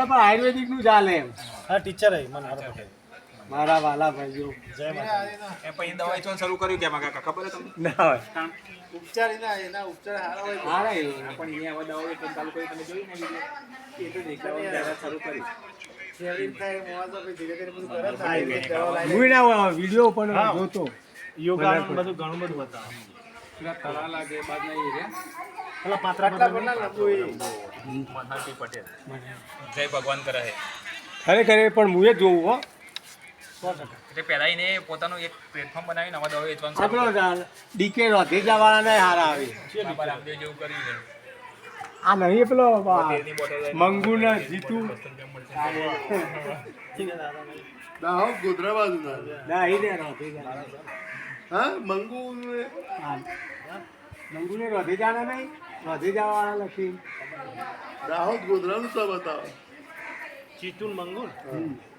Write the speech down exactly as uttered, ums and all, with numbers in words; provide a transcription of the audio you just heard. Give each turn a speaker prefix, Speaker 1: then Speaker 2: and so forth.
Speaker 1: પણ આયુર્વેદિક નું ચાલે એમ.
Speaker 2: હા ટીચર હે મને હારો પટેલ
Speaker 1: મારા વાલા ભાઈઓ
Speaker 2: જય માતા
Speaker 3: એ પછી દવાઈ તો શરૂ કર્યું કેમાં કાકા ખબર છે તમને
Speaker 1: ના હોય
Speaker 2: ઉપચાર એના એના ઉપચાર હારા હોય
Speaker 1: હારા એ.
Speaker 3: પણ અહીંયા હવે દવાઈ કેમ ચાલુ કરી તમે જોયું ને વિડીયો એ તો દેખાડવાનું ત્યારે શરૂ કર્યું
Speaker 2: શરીર થાય મોવા તો પછી ધીરે ધીરે બધું કરે ને આયુર્વેદ દવા લાવી
Speaker 1: હું ના હોય વિડીયો પણ
Speaker 2: હા.
Speaker 1: જોતો
Speaker 2: યોગા બધું ઘણું બધું બતાવે
Speaker 3: પેલા તળા લાગે બાદ નહીં રે
Speaker 2: પેલા પાત્રા પાત્રા પર ના લંબુ એ
Speaker 3: મનહરભાઈ પટેલ જય ભગવાન કરે છે
Speaker 1: ખરેખર એ પણ હું એ જોઉં હો.
Speaker 2: સો ટકા
Speaker 3: એટલે પહેલા એને પોતાનું એક પ્લેટફોર્મ બનાવીને હવે દવા વેચવાનું શરૂ
Speaker 1: આપણો ડીકે રોધેજા વાળા હારા આવે.
Speaker 3: કર્યું. બાબા રામદેવ જેવું કર્યું છે
Speaker 1: આ નહીં પેલો
Speaker 3: તેલની બોટલ લઈને
Speaker 1: મંગુ ને જીતુ
Speaker 4: દાહોદ ગોધરા બાજુ
Speaker 1: ના એ ને રોધેજા
Speaker 4: હા મંગુ
Speaker 1: હા. મંગુ ને રોધેજા ના નહીં રોધેજા વાળા લખી
Speaker 4: દાહોદ ગોધરાનું સબ બતાવો
Speaker 2: ચીતુન મંગુલ
Speaker 1: હમ.